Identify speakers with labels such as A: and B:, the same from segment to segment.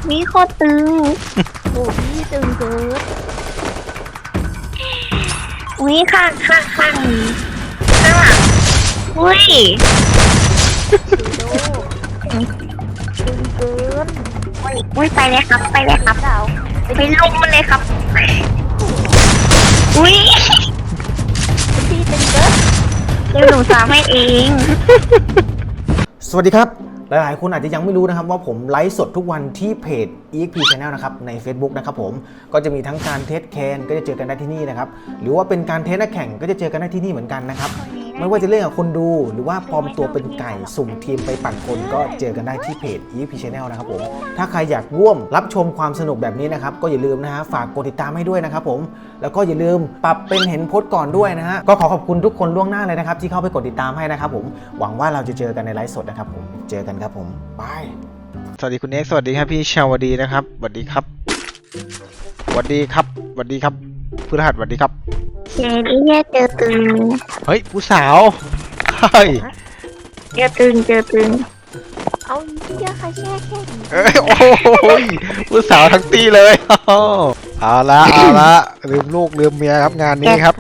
A: มีโคตรตึง
B: โอ้พี่ตึงเกิน
A: อุ้ยข้างข้างข้างนี้ข้างหลังอุ้ย
B: โดตึงเกิน
A: อุ้ยไปเลยครับไปเลยครับ
B: ดาว
A: ไปลงมันเลยครับอุ้ย
B: พี่ตึงเกิน
A: เดี๋ยวหนูสามให้เอง
C: สวัสดีครับหลายๆคนอาจจะยังไม่รู้นะครับว่าผมไลฟ์สดทุกวันที่เพจ EXP Channel นะครับใน Facebook นะครับผมก็จะมีทั้งการเทสแคนก็จะเจอกันได้ที่นี่นะครับหรือว่าเป็นการเทสนักแข่งก็จะเจอกันได้ที่นี่เหมือนกันนะครับไม่ว่าจะเล่นกับคนดูหรือว่าปลอมตัวเป็นไก่สุ่มทีมไปปั่นคนก็เจอกันได้ที่เพจ EXP Channel นะครับผมถ้าใครอยากร่วมรับชมความสนุกแบบนี้นะครับก็อย่าลืมนะฮะฝากกดติดตามให้ด้วยนะครับผมแล้วก็อย่าลืมปรับเป็นเห็นโพสต์ก่อนด้วยนะฮะก็ขอขอบคุณทุกคนล่วงหน้าเลยนะครับที่เข้าไปกดติดตามให้นะครับผมหวังว่าเราจะเจอกันในไลฟ์สดนะครับผมเจอกันครับผมบายสวัสดีคุณเอ็กซ์สวัสดีครับพี่ชาวดีนะครับสวัสดีครับสวัสดีครับสวัสดีครับพฤหัสสวัสดีครับ
A: เจนี่เนี่ยเจอตึง
C: เฮ้ยผู้สาวเฮ้ย
A: เจอตึงเจอตึง
B: เอาเยอะค่ะแช่แค่นี้
C: เอ้ยโอ้ยผู้สาวทั้งตีเลยเอาละลืมลูกลืมเมียครับงานนี้ครับ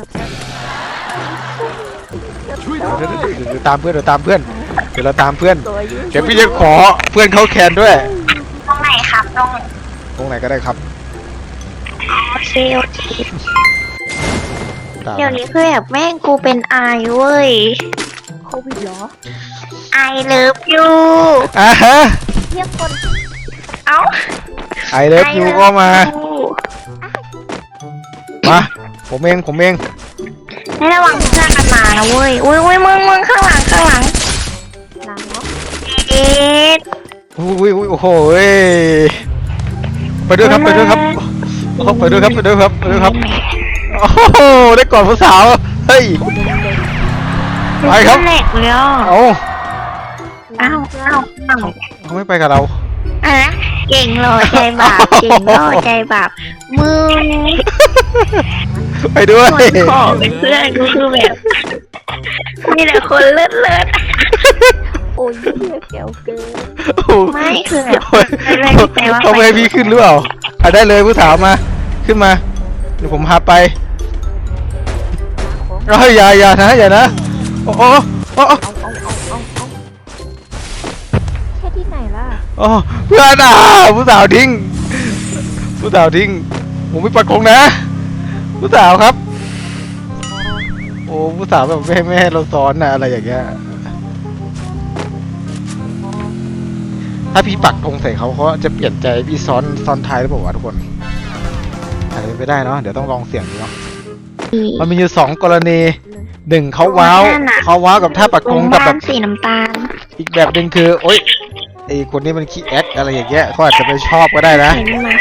C: เดี๋ยวตามเพื่อนเดี๋ยวเราตามเพื่อนเดี๋ยวพี่จะขอเพื่อนเขาแคนด้วย
A: ตรงไหนครับตรง
C: ไหนก็ได้ครับ
A: โอเคเดี๋ยวนี้คือแบบแม่งกูเป็นไอเว้ย
B: โควิดเหรอ
A: ไอเลิฟยู
C: อ่ะฮะ
B: เทียบคน
A: เอ้า
C: ไอเลิฟยูก็มาผมเอง
A: ให้ระวังเพื่อนกันมานะเว้ยอุ้ยมึงข้างหลัง
B: ล้างเนาะ
A: เอ็ด
C: อุ้ยโอ้โหไปด้วยครับโอ้ไปด้วยครับโอ้โหได้ก่อนผู้สาวเฮ้ยไปครับ
A: แหลกเลยอ่ะ
C: เอา
A: อ้าว
C: เขาไม่ไปกับเรา
A: อะไรนะเก่งหล่อใจบาปเก่งหล่อใจบาปมึง
C: ไปด้วย
A: คนขอเป็นเพื่อนกูคือแบบมีแต่คนเลิศ
B: โอ้ยเยอะแก้วเกิน
A: ไม่คือแบบไม่ใจว่า
C: เขาไม่ให้พี่ขึ้นหรือเปล่าได้เลยผู้สาวมาขึ้นมาเดี๋ยวผมพาไปอย่านะโอ้
B: แค่ที่ไหนล่ะ
C: เพื่อนผู้สาวทิ้งผมไม่ปัดคงนะผู้สาวครับโอ้ผู้สาวแบบไม่ให้เราซ้อนนะอะไรอย่างเงี้ยถ้าพี่ปักธงใส่เขาจะเปลี่ยนใจพี่ซ้อนท้ายหรือเปล่าวะทุกคนอาจจะเป็นไปได้เนาะเดี๋ยวต้องลองเสี่ยงดูเนาะมันมีอยู่2กรณี1เขาว้าวกับท่าปักธงกับแบบ
A: สีน้ำตาล
C: อีกแบบหนึ่งคือโอ๊ยไอคนนี้มันขี้แอคอะไรอย่างเงี้ยเขาอาจจะไม่ชอบก็ได้นะ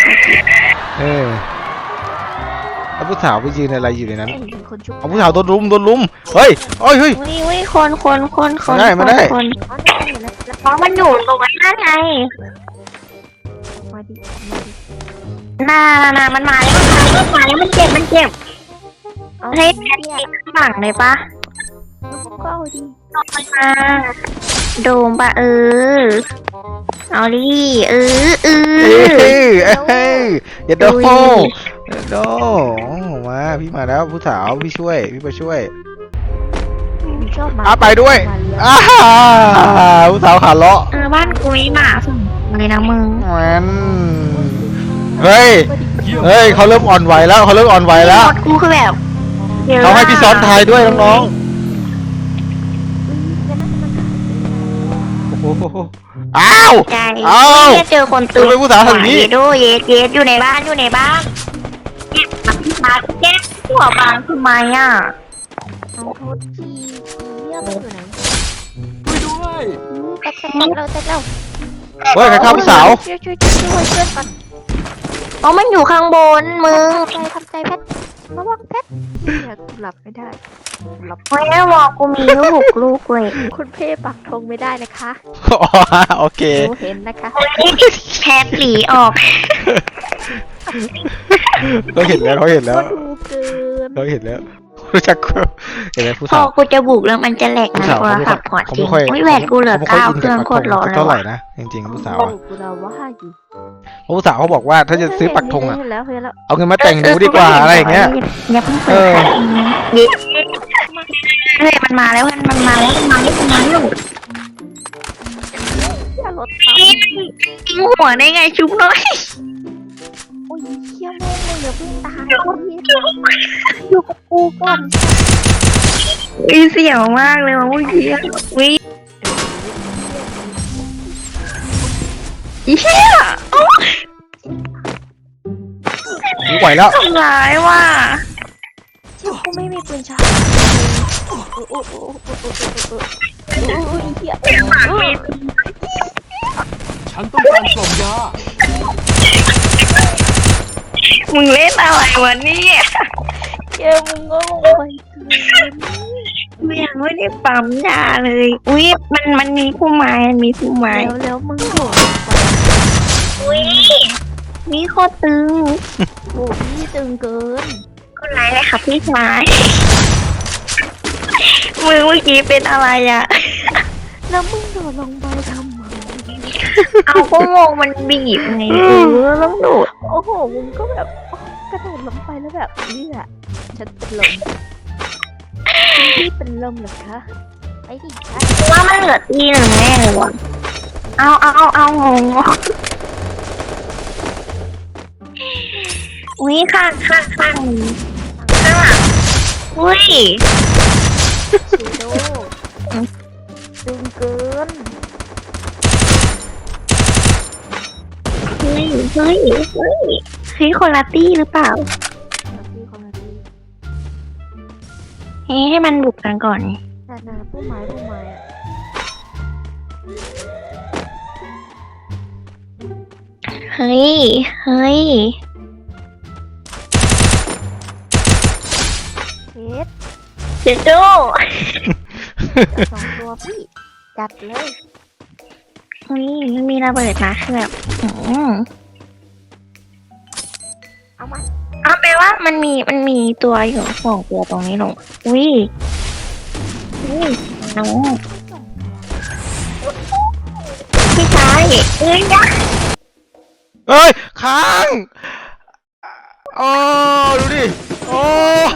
C: แล้วผู้สาวไปยืนอะไรอยู่ในนั้น
B: เป็นคนชุบ
C: เอาผู้สาวโดนลุมเฮ้ยคน
A: มาได้เพราะมันอยู่ตรงนั้นไง
B: มาดิ
A: น่ามันมาแล้วมันเจ็บ
B: เอา
A: ให้
B: เทียบ
A: ข้างหลังเลยปะ
B: ก็เอาดิ
A: มาโดมปะเอาดิ
C: อย่าโดมาพี่มาแล้วผู้สาวพี่ไปช่วย
B: ชอบมา
C: ไปด้วยผู้สาวขาเลาะ
A: บ้านกูมีหมาส่งเลยนะมึง
C: มันเฮ้ยเขาเริ่มอ่อนไหวแล้ว
A: กูคือแบบ
C: เขาให้พี่ซ้อนทายด้วยน้องอ้าว
A: ใจ เจอคน
C: ตื่นผู้สาวทางนี้
A: ดูเย็ดอยู่ในบ้านมาแก้หัวบางทำไมอ่ะ
B: เอาโทษทีเรียกไปอยู่ไหน
D: ช่วยด้วย
B: แต่เรา
C: เฮ้ยใครฆ่าผู้สาว
B: ช่วยเพื่อนก่อน
A: อ๋อมันอยู่ข้างบนมึง
B: ทำใจแพทระวังแพทอยากหลับไม่ได้หลับ
A: ไม่ได้บอกกูมีลูกเลย
B: คุณเพ่ปักธงไม่ได้นะคะ
C: โอเค
B: ดูเห็นนะคะ
A: แพทหลีออก
C: เขาเห็นแล้ว
B: ก็ดูเกิน
C: เขาเห็นแล้วรู้จักกูเห็นไหมผู้
A: พอ
C: สาว
A: กูจะบุกแล้วมันจะแหลก
C: ผู้
A: นะ
C: สาว
A: โทร
C: เขาไม่
A: ศัพท์พอ
C: เขา
A: จริ
C: ไม่
A: ง
C: ค่อย
A: ไม่แหวนกูเหลือ
C: เขาไม่ค่อย
A: 9
C: อิน
A: เครื่อง
C: กับ
A: โคตรร้อน
C: ปักธง
A: เลย
C: เท่าไหร่
A: ว่ะ
C: นะจริงๆผู้สาว
B: โอ้
C: อะ
B: กูเราว่าอยู่
C: ผู้สาวเขาบอกว่าถ้าจะซื้อปักธงอะ
B: เห็นแล้วเห็นแล้ว
C: เอาเงินมาแต่งดูดีกว่าอะไรอย่างเงี้ย
A: อย่าเพิ่งเปิดค่ะเย้เฮ้ยมันมาแล้วมันมาแล้วมันมาแล้วมันมาแล้ว
B: อย่ารถตาม
A: ยิงหัวได้ไงชุบน้อย
B: โอ้ยเขี้ยแม่งเลยอย่าเพิ่งตายอยู่กับกูก่อน
A: มีเสียวมากเลยว่ะเมื่อกี้วิเหี้ย
C: กูไหวแล้ว
A: ทำร้ายว่ะ
B: เชี่ยกูไม่มีปืนชาร์จโอ้ยเขี้ย
D: ฉันต้องการกล่องยา
A: มึงเล่นอะไรวะเนี่ย
B: เขี้ยมึงก็ลงไป
A: กูยังไม่ได้ปั๊มยาเลยอุ้ยมันมีผู้ไม้มันมีผู้ไม้
B: แล้วมึงโดด
A: อุ้ยมีโคตรตึง
B: โอ้พี่ตึงเกิน
A: คนร้ายเลยค่ะพี่ชายมือเมื่อกี้เป็นอะไรอ่ะ
B: แล้วมึงโดดลงไปทำไม
A: เอาก็งงมันบีบไงต้องโดด
B: โอ้โหมึงก็แบบกระโดดลงไปแล้วแบบนี่แหละฉันเป็นลมพี่เป็นลมเหรอคะไอ้ดิค่ะ
A: ว่ามันเหลือตีหนึ่งแน่เลยว่ะเอางงอุ้ยข้างข้างหลังอุ้ย
B: ชิโดตึงเกิน
A: เฮ้ยคนละตี้หรือเปล่า
B: พี่คนละที
A: ให้มันบุกกันก่อน
B: นาผู้ไม้อะ
A: เฮ้ย
B: เคส
A: เจ๊โจ้
B: สองตัวพี่จัดเลย
A: อุ้ยมันมีระเบิดนะคือแบบ
B: เอามา
A: เอาแปลว่ามันมีตัวอยู่สองตัวตรงนี้ลงอุ้ยน้องพี่ชายเอ้ยยะ
C: เอ้ยค้างโอ้ดูดิโอ้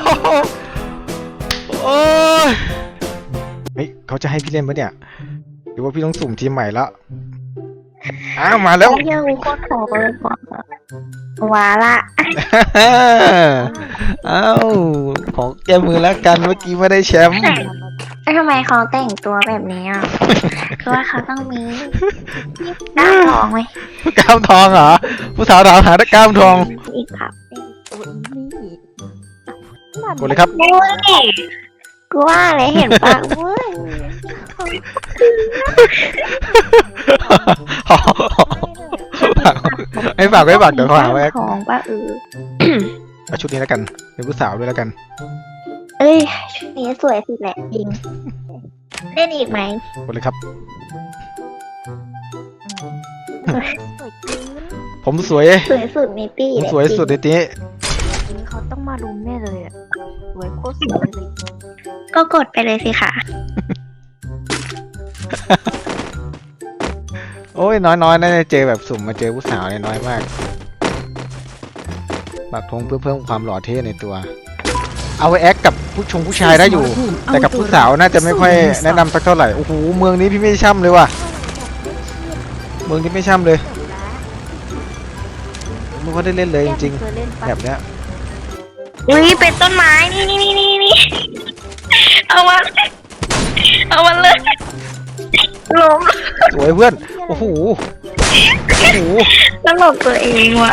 C: ยเฮ้ยเขาจะให้พี่เล่นปะเนี่ยหรือว่าพี่ต้องสุ่มทีมใหม่แล้วอ้าวมาแล้ว
A: เที่ยวโคตรขอเลยก่อนว้าละ
C: เอ้าของแกมือแล้วกันเมื่อกี้ไม่ได้แชมป์
A: ทำไมเขาแต่งตัวแบบนี้อ่ะ คือว่าเขาต้องมีหน้าทองไหม
C: กล้ามทองเหรอผู้สาวถามหากล้ามทอง
A: อีกครับ
B: โอ้ยนี่
C: กดเลยครับ
A: โอ้ยกูว่าเลยเห็นปะเว้ย
C: ให้ฝากเดี๋ยวเขาหาไว้
A: ทองปะ
C: เอาชุดนี้แล้วกันเป็นผู้สาวด้วยแล้วกัน
A: เอ้ยชุดนี้สวยสุดแหละจริง เล่นอีกไหม
C: กดเลยครับ
B: สวยจริง
C: ผมสวย
A: สวยสุดในตี้
C: ผมสวยสุดในนี้
B: เขาต้องมารุมแน่เลยอ่ะสวยโคตรสวยเลย
A: ก็กดไปเลยสิค่ะ
C: โอ้ยน้อยน่าจะเจอแบบสุ่มมาเจอผู้สาวเนี่ยน้อยมากปักธงเพื่อเพิ่มความหล่อเท่ในตัว เอาไว้แอคกับผู้ชายได้อยู่ แต่กับผู้สาวน่าจะไม่ค่อยแนะนำสักเท่าไหร่โอ้โหเมืองนี้พี่ไม่ช่ำเลยว่ะเมืองนี้ไม่ช่ำเลยไม่ค่อยได้เล่นเลยจริง
B: เคยเล่น
C: ๆ
B: ปะ
C: แบบเนี้ย
A: อุ้ยเป็นต้นไม้นี่เอามาเลยล้ม
C: สวยเพื่อนโอ้โหโอ้โห
A: ตลกตัวเองว่ะ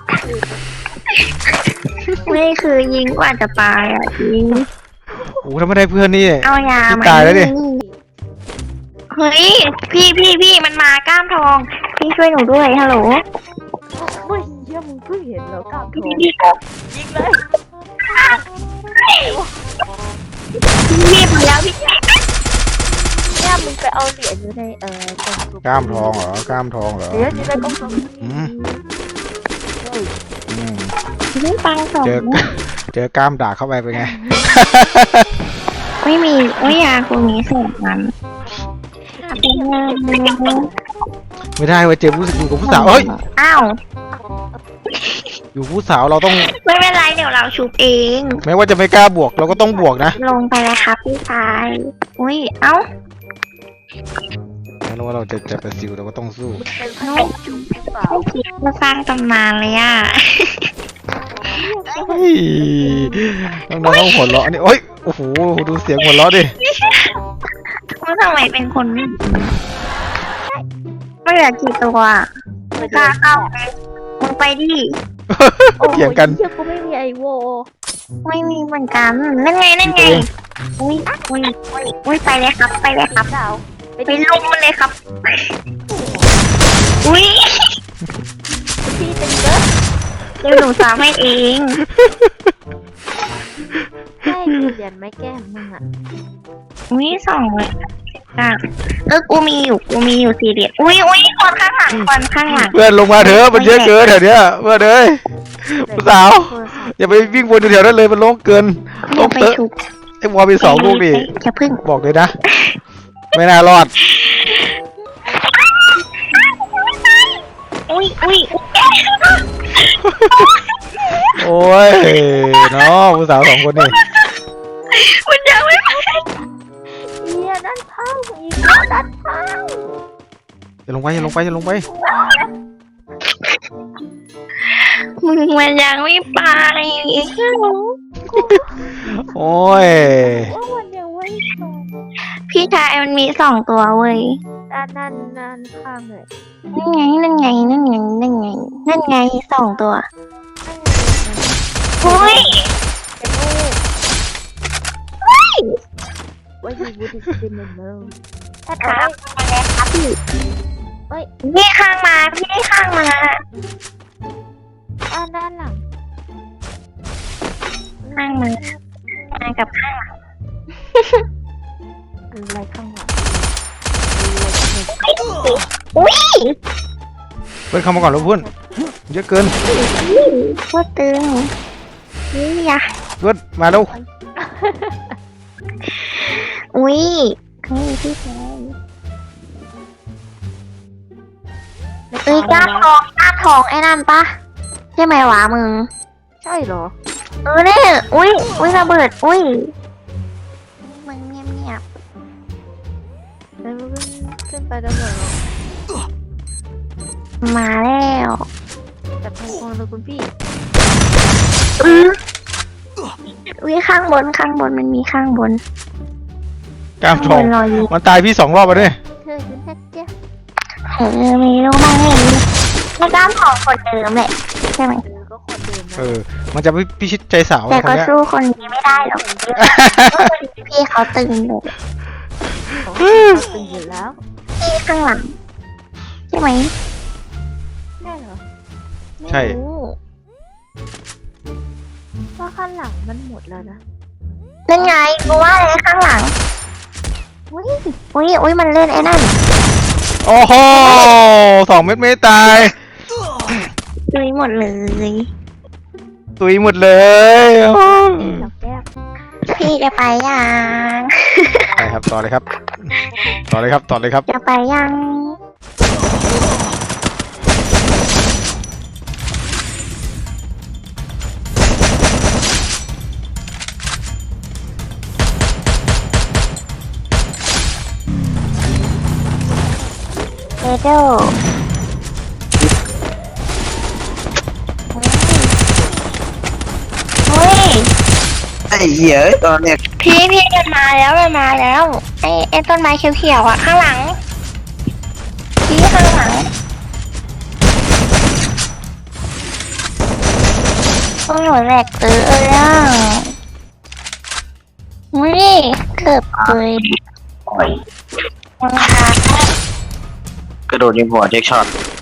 A: ไม่คือยิงกว่าจะตายอ่ะยิง
C: โอ้โหถ้าไม่ได้เพื่อนนี่
A: เอายา
C: พี่
A: มา
C: ตายแล้วดิ
A: เฮ้ยพี่มันมากล้ามทอง พี่ช่วยหนูด้วยฮัลโหล
B: เฮ้ยเยี่ยมึงเพิ่งเห็นแล้วกล้ามโถ
A: พี่
B: ยิงเลย
A: พี่ไปแล้วพี่
B: เนี่ยมึงไปเอาเหรียญอยู่ในกล่องสุ่ม
C: กล้ามทองเหรอกล้ามทองเหรอ
B: เหรียญอยู่ในกล่องสุ่ม
C: อืม
B: เฮ้ย
C: อืม
A: ไม่ปังสอง
C: เจอกล้ามด่าเข้าไปเป็นไง
A: ไม่มีไม่ยาคุณมีสองนั้น
C: ไม่ได้เว้ยเจมส์อยู่กับผู้สาวเฮ้ย
A: อ้าว
C: อยู่ผู้สาวเราต้อง
A: ไม่เป็นไรเดี๋ยวเราชุบเอง
C: แม้ว่าจะไม่กล้าบวกเราก็ต้องบวกนะ
A: ลงไปเลยครับพี่ชายอุ้ยเอ้า
C: แม้ว่าเราจะเป็นซิลเราก็ต้องสู้
B: เป็นขนมจุ๊บหรือเปล่า
A: ไม่คิดมาสร้างตำนานเลยอ่ะ
C: เฮ้ยน้องๆต้องหัวเราะนี่โอ้ยโอ้โหดูเสียงหัวเราะดิ
A: ว่าทำไมเป็นคนไม่เหลือกี่ตัวไม่กล้าเข้าไปมึงไปดิ
C: เถียงกัน
B: เชื่อกูไม่มีไอโว
A: ไม่มีเหมือนกันนั่นไงอุ้ยอุ้ยไปเลยครับไปเลยครับ
B: ดาว
A: ไปลุมมันเลยครับอุ้ย
B: พี่เป็นเยอะ
A: เดี๋ยวหนูสามให้เอง
B: ใช่กูเรียนไม่แก้มมึงอ่ะ
A: อุ้ยสองเลยอ่ะกูมีอยู่สี่เหรียญอุ้ยคนข้างหลัง
C: เพื่อนลงมาเถอะมันเยอะเกินแถวเนี้ยเพื่อนเอ้ยผู้สาวอย่าไปวิ่งวนอยู่แถวนั้นเลยมันโล่งเกินโล่ง
A: ไป
C: เตอะ
A: ชุบ
C: ไอ้วอลมีสองลูกดิ
A: อย่าพึ่ง
C: บอกเลยนะ ไม่น่ารอด
A: อุ้ย
C: โอ้ยเนาะผู้สาวสองคนนี่
A: มันยังไม่
B: เฮียด้านข้างอีกแล้วด้านข้าง
C: อย่าลงไปอย่าลงไปอย่าลงไป
A: มึงมันยังไม่ไป
C: โอ้ย
B: ว่าวันยังไม่ส่ง
A: พี่ชายมันมีสองตัวเว้ย
B: ด้านข้างเลย
A: นั่นไงสองตัวโอ้ย
B: เป็นโอ้ว่ายูวูดดิสตินเนอร์ถ้า
A: ครับ
B: พี่
A: นี่ข้างมาพี่ได้ข้างมา
B: ด้านหลัง
A: ข้างมากับข้างหลัง
B: อะไรข้างหลัง
A: อุ้ย
C: เพื่อนเข้ามาก่อนแล้วเพื่อนเยอะเกิน
A: ว่าตึงนี่ยะ
C: เพื่อนมาแล้ว
A: อุ้ยเขามีพี่ชายกล้าทองไอ้นั่นปะใช่ไหมวะมึง
B: ใช่เหรอ
A: เนี่ยอุ้ยระเบิดอุ้ยมึงเงียบ
B: แล้วมันขึ้นไปได้เหรอ
A: ๆมาแล้ว
B: แต่พงเลยคุณพี่
A: อุ้ยข้างบนมันมีข้างบน
C: กล้ามทอง
A: รออยู่
C: มันตายพี่2 รอบแล้วเนี่ย
B: เธอคือแค่เจ๊
A: ไม่รู้บ้างไงไม่กล้าทองคนเดิมแหละใช่ไหม
B: เธอก็คนเดิมนะ
C: มันจะไม่พิชิตใจสาว
A: แต่
C: คน
A: ก็
C: เนี้ย
A: สู้คนนี้ไม่ได้หรอกพี่เขาตึงเลย
B: ของพี่เขาตึงอยู่แล้ว
A: พี่ข้างหลังใช่ไหม
B: ใช่เหรอ
C: ใช่
A: ไม่รู้
B: ว่าข้างหลังมันหมดแล้วนะ
A: นั่นไงกูว่าเลยข้างหลังอุ้ยมันเล่นไอ้นั่น
C: โอ้โห2 เม็ดไม่ตาย
A: ตุยหมดเลย
C: ตุยหมดเลย
B: เราแก้ว
A: พี่จะไปยัง
C: ไปครับต่อเลยครับ
A: จะไปยัง เอโดเฮ้ย
E: ไอ้เหี้ยตอนเนี้ย
A: พี่มันมาแล้วไอ้ต้นไม้เขียวๆอ่ะข้างหลังพี่ข้างหลังต้องหนูแหลกอ่ะอุ้ยเกือบเลยโอ้ย
E: กระโดดยิงหัวเทคช็อต